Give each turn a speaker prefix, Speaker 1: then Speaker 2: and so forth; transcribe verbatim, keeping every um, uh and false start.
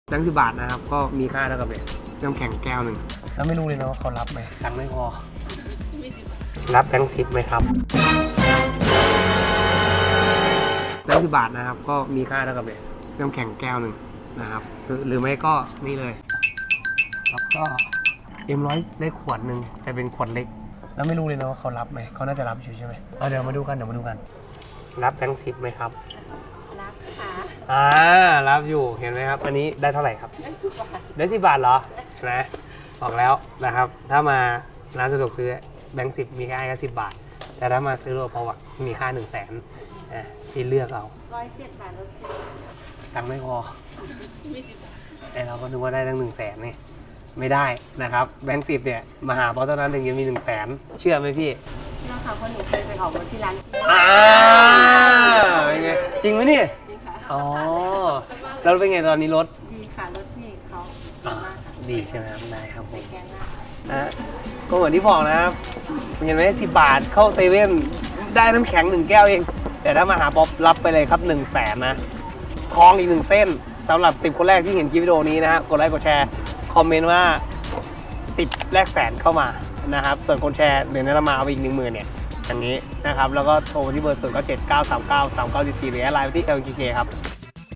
Speaker 1: แบงค์สิบบาทนะครับก็มีค่าเท่ากับเนี่ยน้ำแข็งแก้วหนึ่งแล้วไม่รู้เลยนะว่าเขารับไหมตังค์ไม่พอรับแบงค์สิบไหมครับแบงค์สิบบาทนะครับก็มีค่าเท่ากับเนี่ยน้ำแข็งแก้วหนึ่งนะครับหรือไม่ก็นี่เลยแล้วก็เอ็มร้อยได้ขวดหนึ่งแต่เป็นขวดเล็กแล้วไม่รู้เลยนะว่าเขารับไหมเขาน่าจะรับอยู่ใช่ไหมเอาเดี๋ยวมาดูกันเดี๋ยวมาดูกันรับแบงค์สิบไหมครับ
Speaker 2: รับค่ะ
Speaker 1: อ่ารับอยู่เห็นไหมครับอันนี้ได้เท่าไหร่ครับได้สิบบาทได้สิบบาทเหรอนะบอกแล้วนะครับถ้ามาร้านสะดวกซื้อแบงค์สิบมีค่าแค่สิบบาทแต่ถ้ามาซื้อโลพอวักมีค่าหนึ่งแสนอ่ะที่เลือกเอา
Speaker 2: ร้อยเจ็ดบาทลด
Speaker 1: ตังค์ไม่พอ
Speaker 2: มีสิบบาท
Speaker 1: แต่เราก็นึกว่าได้ตั้งหนึ่งแสนนี่ไม่ได้นะครับแบงค์สิบเนี่ยมาหาเพราะตอนนั้นถึงจะมีหนึ่งแสนเชื่อไหมพี่
Speaker 2: เชื่อค่ะเพราะหนูเคยไปออกรถที่ร้าน
Speaker 1: อ่าเป็นไงจริงไหมเนี่ย
Speaker 2: จริงค่ะ
Speaker 1: อ๋อแล้วเป็นไงตอนนี้รถ
Speaker 2: ดีค่ะรถพี่เขา
Speaker 1: ดีมากดีใช่ไหมครับได้ครับผม
Speaker 2: แกงหน้า
Speaker 1: นะก็เหมือนที่บอกนะครับเห็นไหมสิบบาทเข้าเซเว่นได้น้ำแข็งหนึ่งแก้วเองแต่ถ้ามาหาป๊อปรับไปเลยครับหนึ่งแสนนะทองอีกหนึ่งเส้นสำหรับสิบคนแรกที่เห็นคลิปวิดีโอนี้นะฮะกดไลค์กดแชร์คอมเมนต์ว่าสิบแรกแสนเข้ามานะครับส่วนคนแชร์เดี๋ยวนี้เรามาเอาไปอีกหนึ่งหมื่นเนี่ยอย่างนี้นะครับแล้วก็โทรที่เบอร์ศูนย์เก้าเจ็ดเก้าสามเก้าสามเก้าสี่สี่หรือไลน์ไปที่ แอล เค เค ครับ